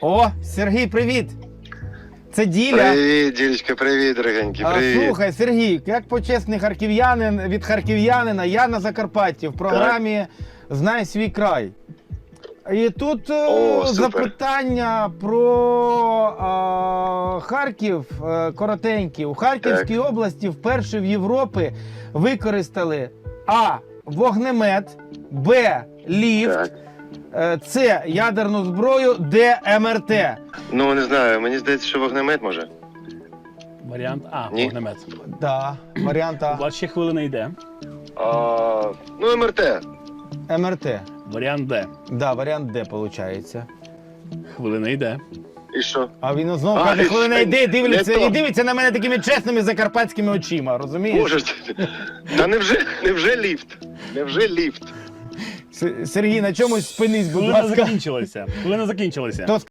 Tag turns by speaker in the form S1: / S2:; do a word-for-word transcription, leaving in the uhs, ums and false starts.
S1: О, Сергій, привіт! Це Діля.
S2: Привіт, Ділечка, привіт, дорогенький,
S1: А,
S2: привіт.
S1: Слухай, Сергій, як почесний харків'янин від харків'янина, я на Закарпатті в програмі «Знай свій край». І тут е,
S2: О, супер.
S1: запитання про а, Харків е, коротенькі. У Харківській
S2: Так.
S1: області вперше в Європі використали А. Вогнемет, Б. Ліфт,
S2: Так.
S1: е, С. Ядерну зброю, Д. ем ер те.
S2: Ну, не знаю, мені здається, що вогнемет може.
S3: Варіант А,
S2: Ні.
S3: вогнемет.
S1: Да, варіант А.
S3: У вас ще хвилина йде.
S2: А, ну, ем ер те.
S1: ем ер те.
S3: Варіант Д.
S1: Да, варіант Д, виходить.
S3: Хвилина йде.
S2: І що?
S1: А він знову
S2: А,
S1: каже,
S2: і
S1: коли не
S2: що?
S1: йде, дивиться,
S2: Не то.
S1: і дивиться на мене такими чесними закарпатськими очима, розумієш?
S2: Боже, та невже, невже ліфт? Невже ліфт?
S1: С- Сергій, на чомусь спинись, будь
S3: Хвилина
S1: ласка.
S3: закінчилася. Хвилина закінчилася.
S1: То